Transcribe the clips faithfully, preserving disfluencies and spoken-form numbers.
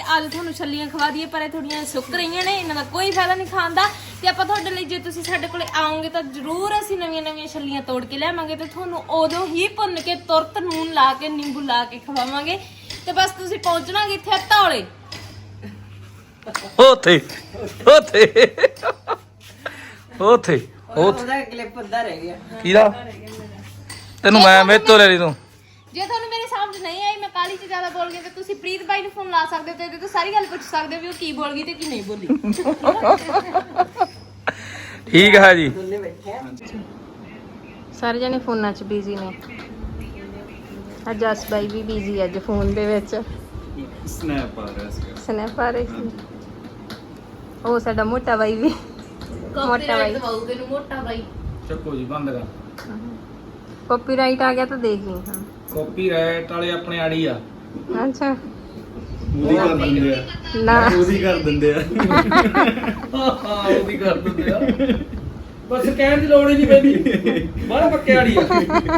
ਅੱਜ ਤੁਹਾਨੂੰ ਛੱਲੀਆਂ ਖਵਾ ਦਈਏ, ਪਰ ਇਹ ਥੋੜੀਆਂ ਸੁੱਕ ਰਹੀਆਂ ਨੇ, ਇਹਨਾਂ ਦਾ ਕੋਈ ਫਾਇਦਾ ਨਹੀਂ ਖਾਣ ਦਾ। ਤੇ ਆਪਾਂ ਤੁਹਾਡੇ ਲਈ, ਜੇ ਤੁਸੀਂ ਸਾਡੇ ਕੋਲੇ ਆਓਗੇ ਤਾਂ ਜ਼ਰੂਰ ਅਸੀਂ ਨਵੀਆਂ ਨਵੀਆਂ ਛੱਲੀਆਂ ਤੋੜ ਕੇ ਲਿਆਵਾਂਗੇ ਤੇ ਤੁਹਾਨੂੰ ਉਦੋਂ ਹੀ ਭੁੰਨ ਕੇ ਤੁਰਤ ਨੂਨ ਲਾ ਕੇ ਨਿੰਬੂ ਲਾ ਕੇ ਖਵਾਵਾਂਗੇ। ਤੇ ਬਸ ਤੁਸੀਂ ਪਹੁੰਚਣਾ ਕਿੱਥੇ? ਧੌਲੇ ਉੱਥੇ ਉੱਥੇ ਉੱਥੇ ਉਹਦਾ ਕਲਿੱਪ ਅੱਧਾ ਰਹਿ ਗਿਆ। ਕੀਦਾ ਤੈਨੂੰ ਮੈਂ ਮੇਰੇ ਤੋਂ ਲੈ ਲਈ ਤੂੰ। ਜੇ ਤੁਹਾਨੂੰ ਮੇਰੀ ਸਮਝ ਨਹੀਂ ਆਈ, ਮੈਂ ਕਾਲੀ ਚ ਜ਼ਿਆਦਾ ਬੋਲ ਗਈ, ਤੇ ਤੁਸੀਂ ਪ੍ਰੀਤ ਬਾਈ ਨੂੰ ਫੋਨ ਲਾ ਸਕਦੇ ਹੋ ਤੇ ਇਹਦੇ ਤੋਂ ਸਾਰੀ ਗੱਲ ਪੁੱਛ ਸਕਦੇ ਹੋ ਵੀ ਉਹ ਕੀ ਬੋਲ ਗਈ ਤੇ ਕੀ ਨਹੀਂ ਬੋਲੀ। ਠੀਕ ਹੈ ਜੀ। ਦੋਨੇ ਬੈਠੇ ਆ। ਸਾਰੇ ਜਣੇ ਫੋਨਾਂ 'ਚ ਬਿਜ਼ੀ ਨੇ। ਅੱਜ ਜਸ ਬਾਈ ਵੀ ਬਿਜ਼ੀ ਅੱਜ ਫੋਨ ਦੇ ਵਿੱਚ ਸਨੈਪ ਆ ਰਿਹਾ ਸੀ। ਸਨੈਪ ਆ ਰਹੀ ਸੀ। ਉਹ ਸਾਡਾ ਮੋਟਾ ਬਾਈ ਵੀ ਮੋਟਾ ਬਾਈ ਦਵਾਉਗੇ ਨੂੰ ਮੋਟਾ ਬਾਈ ਚੱਕੋ ਜੀ ਬੰਦ ਕਰ। ਕਾਪੀਰਾਈਟ ਆ ਗਿਆ ਤਾਂ ਦੇਖ ਲਈ। ਹਾਂ ਕਾਪੀਰਾਈਟ ਵਾਲੇ ਆਪਣੇ ਆੜੀ ਆ। ਅੱਛਾ ਉਹਦੀ ਕਰ ਦਿੰਦੇ ਆ ਨਾ ਉਹਦੀ ਕਰ ਦਿੰਦੇ ਆ ਹਾਂ ਉਹਦੀ ਕਰ ਦਿੰਦੇ ਆ। ਬਸ ਕਹਿਣ ਦੀ ਲੋੜ ਹੀ ਨਹੀਂ ਪੈਂਦੀ। ਬੜਾ ਪੱਕੇ ਆੜੀ ਆ।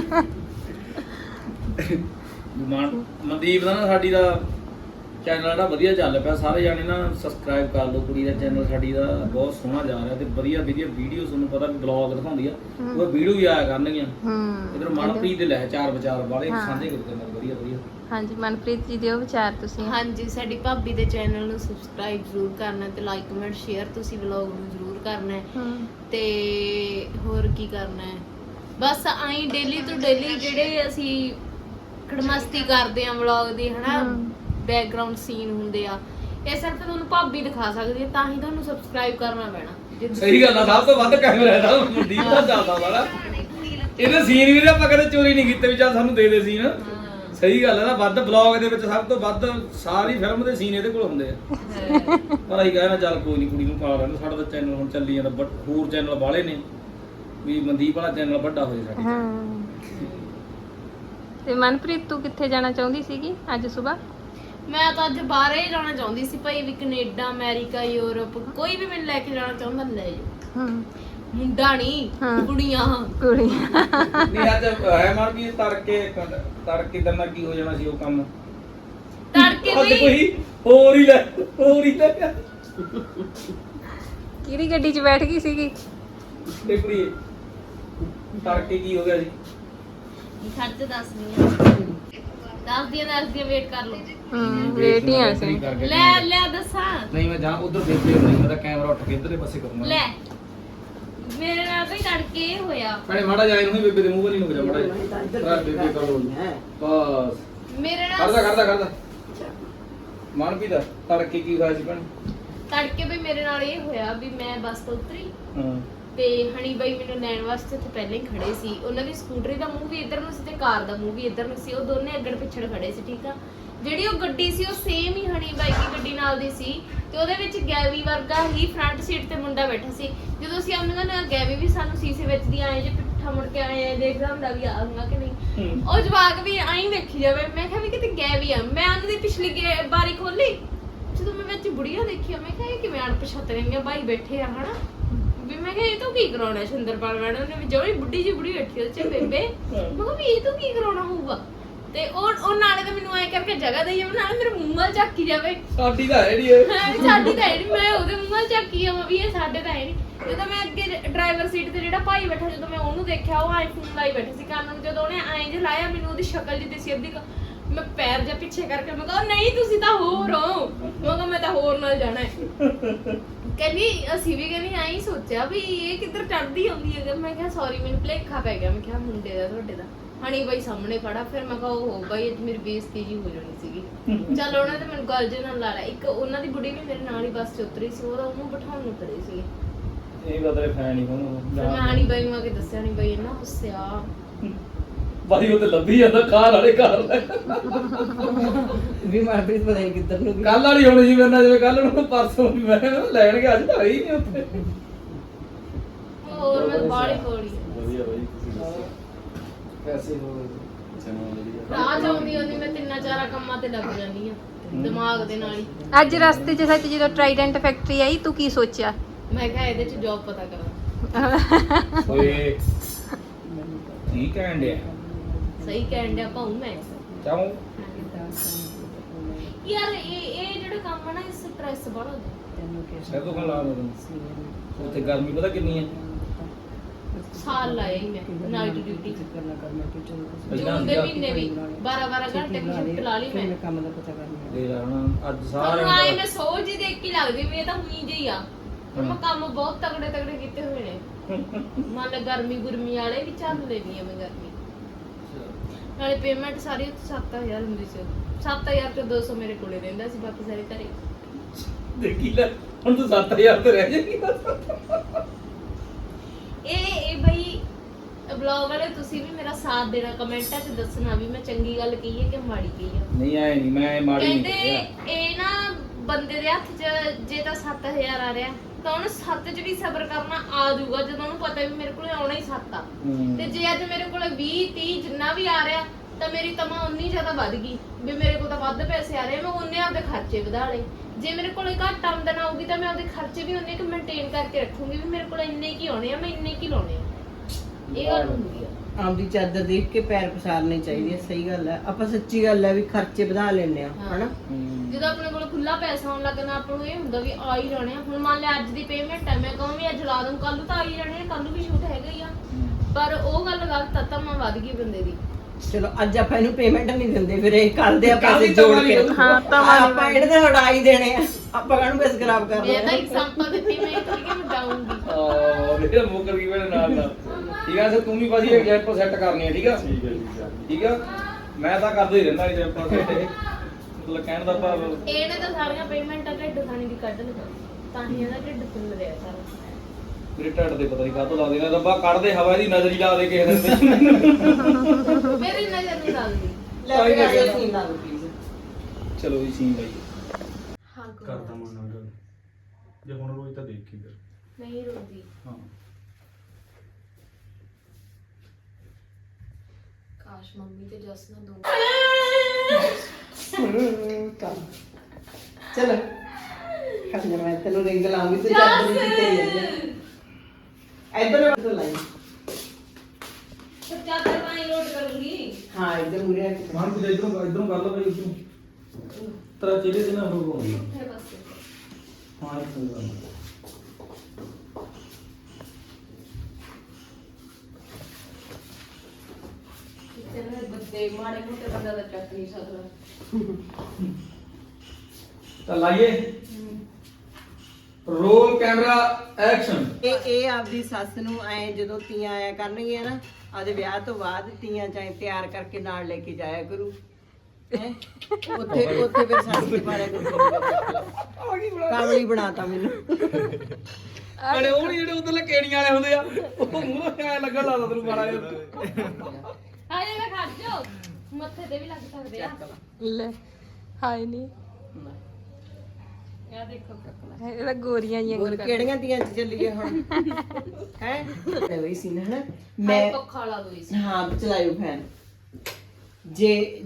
ਮਨ ਮਨਦੀਪ ਦਾ ਨਾ ਸਾਡੀ ਦਾ ਚੈਨਲ ਜਿਹੜਾ ਵਧੀਆ ਚੱਲ ਪਿਆ। ਸਾਰੇ ਜਾਣੇ ਨਾ ਸਬਸਕ੍ਰਾਈਬ ਕਰ ਲਓ। ਕੁੜੀ ਦਾ ਚੈਨਲ ਸਾਡੀ ਦਾ ਬਹੁਤ ਸੋਹਣਾ ਜਾ ਰਿਹਾ ਤੇ ਵਧੀਆ ਵਧੀਆ ਵੀਡੀਓ ਤੁਹਾਨੂੰ ਪਤਾ ਵੀ ਬਲੌਗ ਦਿਖਾਉਂਦੀ ਆ, ਉਹ ਵੀਡੀਓ ਵੀ ਆਇਆ ਕਰਨਗੀਆਂ। ਇਧਰ ਮਨਪ੍ਰੀਤ ਦੇ ਲੈ ਚਾਰ ਵਿਚਾਰ ਵਾਲੇ ਸਾਂਝੇ ਕਰਦੇ ਨੇ ਵਧੀਆ ਵਧੀਆ। ਹਾਂਜੀ ਮਨਪ੍ਰੀਤ ਜੀ ਦਿਓ ਵਿਚਾਰ ਤੁਸੀਂ। ਹਾਂਜੀ ਸਾਡੀ ਭਾਬੀ ਦੇ ਚੈਨਲ ਨੂੰ ਸਬਸਕ੍ਰਾਈਬ ਜ਼ਰੂਰ ਕਰਨਾ ਤੇ ਲਾਈਕ ਕਮੈਂਟ ਸ਼ੇਅਰ ਤੁਸੀਂ ਵਲੌਗ ਨੂੰ ਜ਼ਰੂਰ ਕਰਨਾ ਹੈ। ਤੇ ਹੋਰ ਕੀ ਕਰਨਾ ਹੈ, ਬਸ ਆਈ ਡੇਲੀ ਤੋਂ ਡੇਲੀ ਜਿਹੜੇ ਅਸੀਂ ਖੜਮਸਤੀ ਕਰਦੇ ਆ ਵਲੌਗ ਦੀ ਹਨਾ, ਬੈਕਗ੍ਰਾਉਂਡ ਸੀਨ ਹੁੰਦੇ ਆ, ਇਹ ਸਿਰਫ ਤੁਹਾਨੂੰ ਭਾਬੀ ਦਿਖਾ ਸਕਦੀ ਹੈ, ਤਾਂ ਹੀ ਤੁਹਾਨੂੰ ਸਬਸਕ੍ਰਾਈਬ ਕਰਨਾ ਪੈਣਾ। ਸਹੀ ਗੱਲ ਆ। ਸਭ ਤੋਂ ਵੱਧ ਕੈਮਰਾ ਇਹਦਾ ਮਨਦੀਪ ਦਾ ਚੱਲਦਾ ਵਾਲਾ। ਇਹਦੇ ਸੀਨ ਵੀ ਆਪਾਂ ਕਦੇ ਚੋਰੀ ਨਹੀਂ ਕੀਤੇ ਵੀ ਚੱਲ ਸਾਨੂੰ ਦੇ ਦੇ ਸੀਨ। ਸਹੀ ਗੱਲ ਹੈ ਨਾ। ਵੱਧ ਬਲੌਗ ਦੇ ਵਿੱਚ ਸਭ ਤੋਂ ਵੱਧ ਸਾਰੀ ਫਿਲਮ ਦੇ ਸੀਨ ਇਹਦੇ ਕੋਲ ਹੁੰਦੇ ਆ। ਪਰ ਅਸੀਂ ਕਹਿਣਾ ਚੱਲ ਕੋਈ ਨਹੀਂ ਕੁੜੀ ਨੂੰ ਪਾ ਲੈਣ। ਸਾਡਾ ਤਾਂ ਚੈਨਲ ਹੁਣ ਚੱਲੀ ਜਾਂਦਾ, ਬਟ ਹੋਰ ਚੈਨਲ ਵਾਲੇ ਨੇ ਵੀ ਮਨਦੀਪ ਵਾਲਾ ਚੈਨਲ ਵੱਡਾ ਹੋ ਜਾਏ ਸਾਡਾ। ਤੇ ਮਨਪ੍ਰੀਤ ਤੂੰ ਕਿੱਥੇ ਜਾਣਾ ਚਾਹੁੰਦੀ ਸੀਗੀ ਅੱਜ ਸਵੇਰ? ਮੈਂ ਤਾਂ ਅੱਜ ਬਾਹਰ ਹੀ ਜਾਣਾ ਚਾਹੁੰਦੀ ਸੀ ਭਾਈ, ਵੀ ਕੈਨੇਡਾ ਅਮਰੀਕਾ ਯੂਰਪ ਕੋਈ ਵੀ ਮੈਨੂੰ ਲੈ ਕੇ ਜਾਣਾ ਚਾਹੁੰਦਾ ਲੈ ਜਾਓ। ਮੁੰਡਾ ਨਹੀਂ ਕੁੜੀਆਂ ਕੁੜੀਆਂ ਨਹੀਂ ਅੱਜ ਹੈ ਮਨ ਵੀ ਤੜਕੇ ਤੜਕੇ ਦਿਨ ਕੀ ਹੋ ਜਾਣਾ ਸੀ ਉਹ ਕੰਮ। ਤੜਕੇ ਅੱਜ ਵੀ ਕੋਈ ਹੋਰ ਹੀ ਲੈ ਹੋਰ ਹੀ ਲੈ ਕਿਹੜੀ ਗੱਡੀ 'ਚ ਬੈਠ ਗਈ ਸੀਗੀ? ਤੇ ਕੁੜੀ ਤੜਕੇ ਕੀ ਹੋ ਗਿਆ ਸੀ? ਖਰਚ ਦੱਸਦੀ ਆ, ਦੱਸਦੀ ਆ ਦੱਸਦੀ ਆ, ਵੇਟ ਕਰ ਲਓ। ਹੂੰ ਵੇਟ ਹੀ ਆ ਸੀ। ਲੈ ਲੈ ਦੱਸਾਂ। ਨਹੀਂ ਮੈਂ ਜਾਂ ਉਧਰ ਦੇਖਦੇ ਨਹੀਂ, ਮੈਂ ਤਾਂ ਕੈਮਰਾ ਉੱਠ ਕੇ ਇਧਰਲੇ ਪਾਸੇ ਕਰੂੰਗਾ। ਲੈ ਮੇਰੇ ਨਾਲ ਵੀ ਤੜਕੇ ਇਹ ਹੋਇਆ। ਭੈਣੇ ਮਾੜਾ ਜਾਏ ਨੂੰ ਹੀ ਬੇਬੇ ਦੇ ਮੂੰਹ ਵੱਲ ਹੀ ਨੂੰ ਜਾ ਮਾੜਾ ਜਾ ਬੇਬੇ ਕਰ ਲੋ ਬਸ। ਮੇਰੇ ਨਾਲ ਕਰਦਾ ਕਰਦਾ ਕਰਦਾ ਮਨ ਵੀ ਦਾ ਤੜਕੇ ਕੀ ਹੋਇਆ ਸੀ ਭੈਣ? ਤੜਕੇ ਵੀ ਮੇਰੇ ਨਾਲ ਇਹ ਹੋਇਆ ਵੀ ਮੈਂ ਬੱਸ ਤੋਂ ਉਤਰੀ ਹਾਂ ਤੇ ਹਣੀ ਬਾਈ ਮੈਨੂੰ ਲੈਣ ਵਾਸਤੇ ਉੱਥੇ ਪਹਿਲਾਂ ਹੀ ਖੜੇ ਸੀ। ਉਹਨਾਂ ਦੀ ਸਕੂਟਰੀ ਦਾ ਮੂੰਹ ਵੀ ਇੱਧਰ ਨੂੰ ਸੀ ਤੇ ਕਾਰ ਦਾ ਮੂੰਹ ਵੀ ਇੱਧਰ ਨੂੰ ਸੀ। ਉਹ ਦੋਨੇ ਅੱਗੜ ਪਿੱਛੜ ਖੜੇ ਸੀ। ਠੀਕ ਆ, ਜਿਹੜੀ ਉਹ ਗੱਡੀ ਸੀ ਉਹ ਸੇਮ ਹੀ ਹਣੀ ਬਾਈ ਦੀ ਗੱਡੀ ਨਾਲ ਦੀ ਸੀ ਤੇ ਉਹਦੇ ਵਿੱਚ ਗੈਵੀ ਵਰਗਾ ਹੀ ਫਰੰਟ ਸੀਟ ਤੇ ਮੁੰਡਾ ਬੈਠਾ ਸੀ। ਜਦੋਂ ਅਸੀਂ ਉਹਨਾਂ ਨਾਲ ਗੈਵੀ ਵੀ ਸਾਨੂੰ ਸੀਸੇ ਵਿੱਚ ਦੀ ਆਏ ਜੇ ਪਿੱਠਾ ਮੁੜ ਕੇ ਆਏ ਦੇਖਦਾ ਹੁੰਦਾ ਵੀ ਆਉਂਗਾ ਕਿ ਨਹੀਂ। ਉਹ ਜਵਾਕ ਵੀ ਆਈ ਵੇਖੀ ਜਾਵੇ। ਮੈਂ ਕਿਹਾ ਵੀ ਕਿਤੇ ਗੈਵੀ ਆ। ਮੈਂ ਉਹਨਾਂ ਦੀ ਪਿਛਲੀ ਬਾਰੀ ਖੋਲੀ, ਜਦੋਂ ਮੈਂ ਵਿੱਚ ਬੁੜੀਆਂ ਦੇਖੀਆਂ ਮੈਂ ਕਿਹਾ ਇਹ ਕਿਵੇਂ ਅਣਪਛਾਤਣੀਆਂ ਬਾਈ ਬੈਠੇ ਆ ਹਨਾ। ਵੀ ਮੈਂ ਕਿਹਾ ਇਹ ਤੋਂ ਕੀ ਕਰਾਉਣਾ ਸੁੰਦਰਪਾਲ ਮੈਡਮ ਨੇ, ਵੀ ਜਿਹੜੀ ਬੁੱਢੀ ਜੀ ਬੁੜੀ ਬੈਠੀ ਉਹਦੇ ਚ ਬੇਬੇ। ਮੈਂ ਕਿਹਾ ਵੀ ਇਹ ਤੋਂ ਕੀ ਕਰਾਉਣਾ ਹੋਊਗਾ। ਤੇ ਉਹ ਉਹ ਨਾਲੇ ਤਾਂ ਮੈਨੂੰ ਐ ਕਰਕੇ ਜਗ੍ਹਾ ਦੇਈ ਜਾਵੇ, ਨਾਲੇ ਮੇਰੇ ਮੂੰਹ ਵੱਲ ਝਾਕੀ ਜਾਵੇ। ਸਾਡੀ ਤਾਂ ਹੈ ਨਹੀਂ ਇਹ ਸਾਡੀ ਤਾਂ ਹੈ ਨਹੀਂ, ਮੈਂ ਉਹਦੇ ਮੂੰਹ ਵੱਲ ਝਾਕੀ ਜਾਵਾਂ ਵੀ ਇਹ ਸਾਡੇ ਤਾਂ ਹੈ ਨਹੀਂ। ਜਦੋਂ ਮੈਂ ਅੱਗੇ ਡਰਾਈਵਰ ਸੀਟ ਤੇ ਜਿਹੜਾ ਭਾਈ ਬੈਠਾ, ਜਦੋਂ ਮੈਂ ਉਹਨੂੰ ਦੇਖਿਆ ਉਹ ਆਈਫੋਨ ਲਾਈ ਬੈਠੀ ਸੀ ਕੰਨ ਨੂੰ। ਜਦੋਂ ਉਹਨੇ ਐਂ ਜੇ ਲਾਇਆ ਮੈਨੂੰ ਉਹਦੀ ਸ਼ਕਲ ਜਿਹੀ ਦਿਸੀ ਅੱਧੀ, ਮੈਂ ਪੈਰ ਜਿਹਾ ਪਿੱਛੇ ਕਰਕੇ ਮੈਂ ਕਿਹਾ ਨਹੀਂ ਤੁਸੀਂ ਤਾਂ ਹੋਰ ਹੋ। ਮੈਂ ਕਿਹਾ ਮੈਂ ਤਾਂ ਹੋਰ ਨਾਲ ਜਾਣਾ ਹੈ। ਕਹਿੰਦੀ ਅਸੀਂ ਵੀ ਕਹਿੰਦੀ ਐਂ ਸੋਚਿਆ ਵੀ ਇਹ ਕਿੱਧਰ ਚੜਦੀ ਆਉਂਦੀ ਹੈ। ਮੈਂ ਕਿਹਾ ਸੌਰੀ ਮੈਨੂੰ ਭੁਲੇਖਾ ਪੈ ਗਿਆ। ਮੈਂ ਕਿਹਾ ਮੁੰਡੇ ਦਾ ਤੁਹਾਡੇ ਦਾ ਹਣੀ ਬਾਈ ਸਾਹਮਣੇ ਖੜਾ। ਫਿਰ ਮੈਂ ਕਿਹਾ ਉਹ ਬਾਈ ਅੱਜ ਮੇਰੀ ਬੇਇੱਜ਼ਤੀ ਜੀ ਹੋ ਜਾਣੀ ਸੀਗੀ। ਚੱਲ ਉਹਨਾਂ ਨੇ ਮੈਨੂੰ ਗੱਲ ਜੇ ਨਾਲ ਲਾ ਲਿਆ। ਇੱਕ ਉਹਨਾਂ ਦੀ ਬੁੜੀ ਵੀ ਮੇਰੇ ਨਾਲ ਹੀ ਬੱਸ 'ਚ ਉਤਰੀ ਸੀ, ਉਹਦਾ ਉਹਨੂੰ ਬਿਠਾਉਣ ਨੂੰ ਕਰੇ ਸੀ। ਇਹ ਗੱਲ ਤੇਰੇ ਫੈਨ ਹੀ ਕੋਣ ਫਿਰ ਮੈਂ ਹਣੀ ਬਾਈ ਨੂੰ ਆ ਕੇ ਦੱਸਿਆ, ਨਹੀਂ ਬਾਈ ਇੰਨਾ ਗੁੱਸਿਆ ਬਾਈ ਉਹ ਤੇ ਲੱਭੀ ਜਾਂਦਾ ਕਾਰ ਵਾਲੇ ਕਾਰ ਲੈ ਵੀ ਮਨਪ੍ਰੀਤ ਪਤਾ ਨਹੀਂ ਕਿੱਧਰ ਨੂੰ ਗਈ। ਕੱਲ ਵਾਲੀ ਹੋਣੀ ਸੀ ਮੇਰੇ ਨਾਲ, ਜਿਵੇਂ ਕੱਲ ਨੂੰ ਪਰਸੋਂ ਵੀ ਮੈਂ ਲੈਣ ਗਿਆ, ਅੱਜ ਤਾਂ ਆਈ ਨਹੀਂ ਉੱਥੇ। ਹੋਰ ਮੈਂ ਬਾਹਲੀ ਕੋਲੀ ਵਧੀਆ ਬਾਈ ਤੁਸੀਂ ਦੱਸੋ ਪੈਸੇ ਹੋ ਗਏ ਰਾਹ ਜਾਉਂਦੀ ਹੁੰਦੀ ਮੈਂ ਤਿੰਨਾਂ ਚਾਰਾਂ ਕੰਮਾਂ ਤੇ ਲੱਗ ਜਾਂਦੀ ਆ ਦਿਮਾਗ ਦੇ ਨਾਲ ਹੀ। ਅੱਜ ਰਸਤੇ 'ਚ ਸੱਚ ਜਦੋਂ ਟ੍ਰਾਈਡੈਂਟ ਫੈਕਟਰੀ ਆਈ ਤੂੰ ਕੀ ਸੋਚਿਆ? ਮੈਂ ਕਿਹਾ ਇਹਦੇ 'ਚ ਜੌਬ ਪਤਾ ਕਰਾਂ। ਓਏ ਠੀਕ ਹੈ ਅੰਡਿਆ ਸਹੀ ਕਹਿਣ ਡਿਆ ਭਾਉ ਮੈਂ। ਚਾਹੂੰ ਯਾਰ ਇਹ ਇਹ ਜਿਹੜਾ ਕੰਮ ਹੈ ਨਾ ਇਸ ਸਟ੍ਰੈਸ ਬੜਾ ਹੁੰਦਾ ਤੈਨੂੰ ਕਿਹਾ ਸਿਰ ਤੋਂ ਲਾ ਦੋ ਸੀ ਉੱਥੇ ਗਰਮੀ ਪਤਾ ਕਿੰਨੀ ਹੈ ਸਾਲ ਲਾਇਆ ਹੀ ਮੈਂ ਨਾਈਟ ਡਿਊਟੀ ਕਰਨਾ ਕਰਨਾ ਕਿ ਚਲੋ ਜੂਨ ਦੇ ਮਹੀਨੇ ਵੀ ਬਾਰਾਂ ਬਾਰਾਂ ਘੰਟੇ ਦੀ ਸ਼ਿਫਟ ਲਾ ਲਈ ਮੈਂ ਕੰਮ ਦਾ ਪਤਾ ਕਰਨਾ ਦੇ ਲਾ ਹੁਣ ਅੱਜ ਸਾਰੇ ਸਾਰੇ ਆਏ ਮੈਂ ਸੋਚ ਹੀ ਦੇਖ ਕੇ ਲੱਗਦੀ ਵੀ ਇਹ ਤਾਂ ਹੁਣੀ ਜਿਹੀ ਆ ਹੁਣ ਮੈਂ ਕੰਮ ਬਹੁਤ ਤਗੜੇ ਤਗੜੇ ਕੀਤੇ ਹੋਏ ਨੇ ਮੰਨ ਲੈ ਗਰਮੀ ਗੁਰਮੀ ਵਾਲੇ ਵੀ ਚੱਲ ਲੈਣੀ ਆ ਮੈਂ ਗਰਮੀ ਨਾਲੇ ਪੇਮੈਂਟ ਸਾਰੀ ਉੱਥੇ ਸੱਤ ਹਜ਼ਾਰ ਹੁੰਦੀ ਸੀ ਸੱਤ ਹਜ਼ਾਰ ਚੋਂ ਦੋ ਸੌ ਮੇਰੇ ਕੋਲੇ ਰਹਿੰਦਾ ਸੀ ਬਾਕੀ ਸਾਰੇ ਘਰੇ ਦੇਖੀ ਲੈ ਹੁਣ ਤੂੰ ਸੱਤ ਹਜ਼ਾਰ ਤੇ ਰਹਿ ਜਾਏਗੀ ਇਹ ਇਹ ਬਈ ਬਲੌਗ ਵਾਲੇ ਤੁਸੀਂ ਵੀ ਮੇਰਾ ਸਾਥ ਦੇਣਾ ਕਮੈਂਟਾਂ 'ਚ ਦੱਸਣਾ ਵੀ ਮੈਂ ਚੰਗੀ ਗੱਲ ਕਹੀ ਹੈ ਕਿ ਮਾੜੀ ਕਹੀ ਹੈ ਨਹੀਂ ਆਏ ਨਹੀਂ ਮੈਂ ਮਾੜੀ ਨਹੀਂ ਕਹਿੰਦੇ ਕਿਹਾ। ਇਹ ਨਾ ਬੰਦੇ ਦੇ ਹੱਥ 'ਚ ਜੇ ਤਾਂ ਸੱਤ ਹਜ਼ਾਰ ਆ ਰਿਹਾ ਤਾਂ ਉਹਨੂੰ ਸੱਤ 'ਚ ਵੀ ਸਬਰ ਕਰਨਾ ਆ ਜਾਊਗਾ ਜਦੋਂ ਉਹਨੂੰ ਪਤਾ ਵੀ ਮੇਰੇ ਕੋਲੇ ਆਉਣਾ ਹੀ ਸੱਤ ਆ ਹੂੰ। ਤੇ ਜੇ ਅੱਜ ਮੇਰੇ ਕੋਲੇ ਵੀਹ ਤੀਹ ਜਿੰਨਾ ਵੀ ਆ ਰਿਹਾ ਤਾਂ ਮੇਰੀ ਤਮਾ ਉਨੀ ਜ਼ਿਆਦਾ ਵੱਧ ਗਈ ਵੀ ਮੇਰੇ ਕੋਲ ਤਾਂ ਵੱਧ ਪੈਸੇ ਆ ਰਹੇ ਮੈਂ ਉਹਨੇ ਆਪਦੇ ਖਰਚੇ ਵਧਾ ਲਏ ਜੇ ਮੇਰੇ ਕੋਲੇ ਘੱਟ ਆਮਦਨ ਆਊਗੀ ਤਾਂ ਮੈਂ ਆਪਦੇ ਖਰਚੇ ਵੀ ਉਹਨੇ ਕਿ ਮੇਨਟੇਨ ਕਰਕੇ ਰੱਖੂੰਗੀ ਵੀ ਮੇਰੇ ਕੋਲ ਇੰਨੇ ਕੀ ਆਉਣੇ ਆ ਮੈਂ ਇੰਨੇ ਕੀ ਲਾਉਣੇ ਆ ਇਹ ਗੱਲ ਹੁੰਦੀ ਆ ਆਪਦੀ ਚਾਦਰ ਦੇਖ ਕੇ ਪੈਰ ਪਸਾਰਨੇ ਚਾਹੀਦੇ ਆ, ਸਹੀ ਗੱਲ ਹੈ। ਆਪਾਂ ਸੱਚੀ ਗੱਲ ਹੈ ਵੀ ਖਰਚੇ ਵਧਾ ਲੈਂਦੇ ਆ ਹਨਾ। ਹੂੰ। ਜਦੋਂ ਆਪਣੇ ਕੋਲ ਖੁੱਲਾ ਪੈਸਾ ਆਉਣ ਲੱਗਣਾ ਆਪਾਂ ਨੂੰ ਇਹ ਹੁੰਦਾ ਵੀ ਆ ਹੀ ਜਾਣੇ ਆ ਹੁਣ ਮੰਨ ਲੈ ਅੱਜ ਦੀ ਪੇਮੈਂਟ ਹੈ ਮੈਂ ਕਹਾਂ ਵੀ ਅੱਜ ਲਾ ਦੂੰ ਕੱਲ ਨੂੰ ਤਾਂ ਆ ਹੀ ਜਾਣੇ ਆ ਕੱਲ ਨੂੰ ਵੀ ਸ਼ੂਟ ਹੈਗਾ ਹੀ ਆ ਪਰ ਉਹ ਗੱਲ ਗਲਤ ਆ ਤਮਾ ਵੱਧ ਗਈ ਬੰਦੇ ਦੀ ਚਲੋ ਅੱਜ ਆਪਾਂ ਇਹਨੂੰ ਪੇਮੈਂਟ ਨਹੀਂ ਦਿੰਦੇ ਫਿਰ ਇਹ ਕੱਲ ਦੇ ਆਪਾਂ ਕੱਲ੍ਹ ਦੀ ਜੋੜ ਤਮਾ ਕੇ ਨਹੀਂ ਹਾਂ ਤਾਂ ਆਪਾਂ ਇਹਦੇ ਤੇ ਹਟਾਈ ਦੇਣੇ ਆ ਆਪਾਂ ਕਾਹਨੂੰ ਬਸ ਖਰਾਬ ਕਰ ਮੈਂ ਤਾਂ ਰਹੇ ਐਗਜ਼ਾਮਪਲ ਦਿੱਤੀ ਮੈਂ ਇਹ ਥੋੜੀ ਕਿ ਮੈਂ ਜਾਊਂਗੀ ਆ ਮੇਰੇ ਮੁੱਕਰ ਗਈ ਮੇਰੇ ਨਾਲ ਦਾ ਠੀਕ ਆ ਸਰ ਤੂੰ ਵੀ ਭਾਜੀ ਐਗਜ਼ਾਮਪਲ ਸੈੱਟ ਕਰਨੀ ਹੈ ਠੀਕ ਆ ਠੀਕ ਹੈ ਠੀਕ ਹੈ ਠੀਕ ਆ ਮੈਂ ਤਾਂ ਕਰਦਾ ਹੀ ਰਹਿੰਦਾ ਐਗਜ਼ਾਮਪਲ ਸੈੱਟ ਮਤਲਬ ਕਹਿਣ ਦਾ ਭਾਵ ਇਹਨੇ ਤਾਂ ਸਾਰੀਆਂ ਪੇਮੈਂਟਾਂ ਢਿੱਡ ਖਾਣੀ ਦੀ ਕੱਢ ਲਗਾ ਤਾਂ ਹੀ ਇਹਦਾ ਢਿੱਡ ਫੁੱਲ ਰਿਹਾ ਸਾਰਾ ਮੇਰੇ ਢੱਡ ਤੇ ਪਤਾ ਨਹੀਂ ਕਾਹਤੋਂ ਲਾ ਦੇਣਾ ਰੱਬਾ ਕੱਢ ਦੇ ਹਵਾ ਦੀ ਨਜ਼ਰ ਹੀ ਲਾ ਦੇ ਕਿਸੇ ਦਿਨ ਤੇ ਮੇਰੀ ਨਜ਼ਰ ਨਹੀਂ ਲੱਗਦੀ ਲੈ ਕੇ ਆ ਜਾ ਸੀਨ ਲਾ ਦੋ ਪਲੀਜ਼। ਚਲੋ ਜੀ ਸੀਨ ਬਾਈ ਹਾਂ ਕਰਦਾ ਮਨ ਨਾਲ ਗੱਲ ਜੇ ਹੁਣ ਰੋਈ ਤਾਂ ਦੇਖੀ ਫਿਰ ਨਹੀਂ ਰੋਦੀ ਹਾਂ ਕਾਸ਼ ਮੰਮੀ ਤੇ ਜਸ ਨਾ ਦੋ ਚਲੋ ਕੱਲ ਮੈਂ ਤੈਨੂੰ ਰਿੰਗ ਲਾਉਂਗੀ ਤੇ ਚਾਦਰ ਦੀ ਤੇ ਇੱਧਰ ਤੋਂ ਲਾਈ ਫਿਰ ਚਾਦਰ ਪਾਣੀ ਲੋਡ ਕਰੂੰਗੀ ਹਾਂ ਇੱਧਰ ਮੁਰੇ ਆ ਕੇ ਮਾਨ ਕੁਝ ਇਧਰੋਂ ਇਧਰੋਂ ਕਰ ਲਓ ਭਾਈ ਤੂੰ ਤੇਰਾ ਚਿਹਰੇ ਤੇ ਨਾ ਹੋ ਹੋਣੀ ਫਿਰ ਬਸ ਹਾਂ ਇਹ ਕੋਈ ਗੱਲ ਨਹੀਂ ਤੇਰੇ ਬੱਦੇ ਮਾੜੇ ਮੋਟੇ ਬੰਦਾ ਦਾ ਚੱਕ ਨਹੀਂ ਸਕਦਾ ਤਾਂ ਲਾਈਏ ਰੋਲ ਕੈਮਰਾ ਐਕਸ਼ਨ ਇਹ ਇਹ ਆਪਦੀ ਸੱਸ ਨੂੰ ਐ ਜਦੋਂ ਤੀਆਂ ਆਇਆ ਕਰਨਗੀਆਂ ਨਾ ਆਦੇ ਵਿਆਹ ਤੋਂ ਬਾਅਦ ਤੀਆਂ ਚਾਹੇ ਤਿਆਰ ਕਰਕੇ ਨਾਲ ਲੈ ਕੇ ਜਾਇਆ ਕਰੂ ਹੈਂ? ਉੱਥੇ ਉੱਥੇ ਫਿਰ ਸੱਸ ਦੇ ਬਾਰੇ ਕਾਮਲੀ ਬਣਾਤਾ ਮੈਨੂੰ ਅਰੇ ਉਹ ਨੀ ਜਿਹੜੇ ਉਧਰਲੇ ਕੇਣੀਆਂ ਵਾਲੇ ਹੁੰਦੇ ਆ ਉਹ ਮੂੰਹ ਤੇ ਐ ਲੱਗਣ ਲੱਗਦਾ ਤੈਨੂੰ ਮਾੜਾ ਜਿਹਾ ਹਾਏ ਮੈਂ ਖੜ ਜਾ ਮੱਥੇ ਤੇ ਵੀ ਲੱਗ ਸਕਦੇ ਆ ਲੈ ਹਾਏ ਨਹੀਂ ਇਹ ਦੇਖੋ ਇਹਦਾ ਗੋਰੀਆਂ ਹੀ ਹੋਰ ਕਿਹੜੀਆਂ ਤੀਆਂ ਚ ਚੱਲੀਏ ਹੁਣ ਹੈ ਵਈ ਸੀ ਨਾ ਹਨਾ ਮੈਂ ਮੈਂ ਪੱਖਾ ਲਾ ਦੋ ਇਸ ਹਾਂ ਚਲਾਇਓ ਫੈਨ ਜੇ